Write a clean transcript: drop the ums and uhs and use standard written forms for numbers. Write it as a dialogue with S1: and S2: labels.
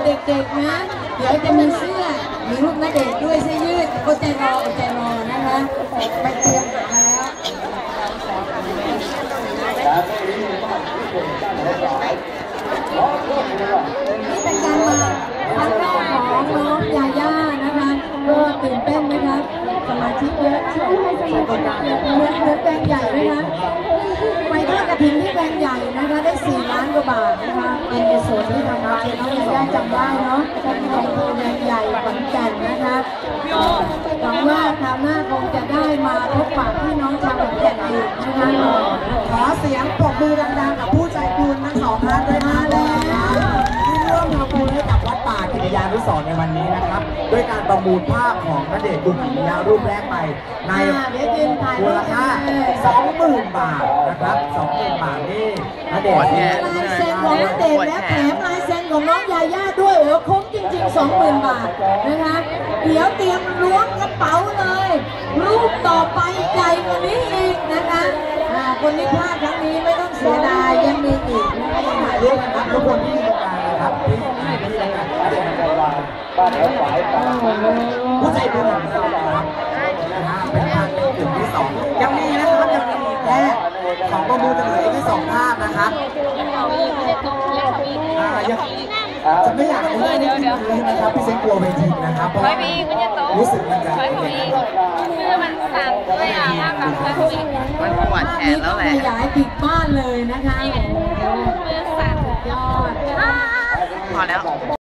S1: เด็กๆนะเดี๋ยวจะมีเสื้อมีรูปณเดชน์ด้วยเสื้อยืดอดใจรนะคะไปเตรียมหาแล้วนี่เป็นการมาครั้งแรกของน้องยาย่านะคะก็ตื่นเต้นนะคะสมาชิกเยอะช่วยให้สมาชิกเหมือนแบงใหญ่นะคะไปทอดกระถิ่นที่แบงใหญ่นะคะได้4 ล้านกว่าบาทนะคะเป็นในส่วนที่ทางน้องยาย่าจำได้เนาะของแบงใหญ่ขอนแก่นนะคะหวังว่าคราวหน้าคงจะได้มาพบปะพี่น้องชาวขอนแก่นอีกนะคะ
S2: ขอเสียงปรบมือดังๆกับผู้ใจบุญทั้ง2 ท่านด้วยมาแล้วที่ร่วมทำบุญให้กับวัดป่ากิติยานุสรณ์ในวันนี้นะครับด้วยการประมูลภาพของณเดชน์คุกิมิยะรูปแรกไปในมูลค่า 20,000 บาทนะครับ 20,000 บาทนี่ณเดชน์
S1: ลายเซ็นของณเดชน์และแถมลายเซ็นของน้องยาย่าด้วยโอ้คุ้มจริงๆ 20,000 บาทนะคะเดี๋ยวเตรียมล้วงกระเป๋าเลยรูปต่อไปใหญ่กว่านี้อีกนะคะคนที่พลาดครั้งนี้ไม่ต้องเสียดายยังมีอีกนะคะยังถ่ายรูปกันทุกคนที่อยู่ตรงกลางนะครับที่รายการบ้านแล้วฝ่ายผู้ใจบุญของเราครับนะฮะเป็นภาพในกลุ่มที่2ยังมีนะครับยังมีแค่ของประมูลจะเหลืออีกแค่2 ภาพนะครับจะไม่อยากรู้เลยนะครับพี่เซนกลัวเวทีนะครับเพราะรู้สึกมันจะ
S3: คือมันสั่นด้วยอ่ะภาพแบบ
S4: มันปวดแขนแล้วแหละ
S1: ขยายปิดบ้านเลยนะคะ
S3: มือสั่น
S1: ยอด
S4: พอแล้ว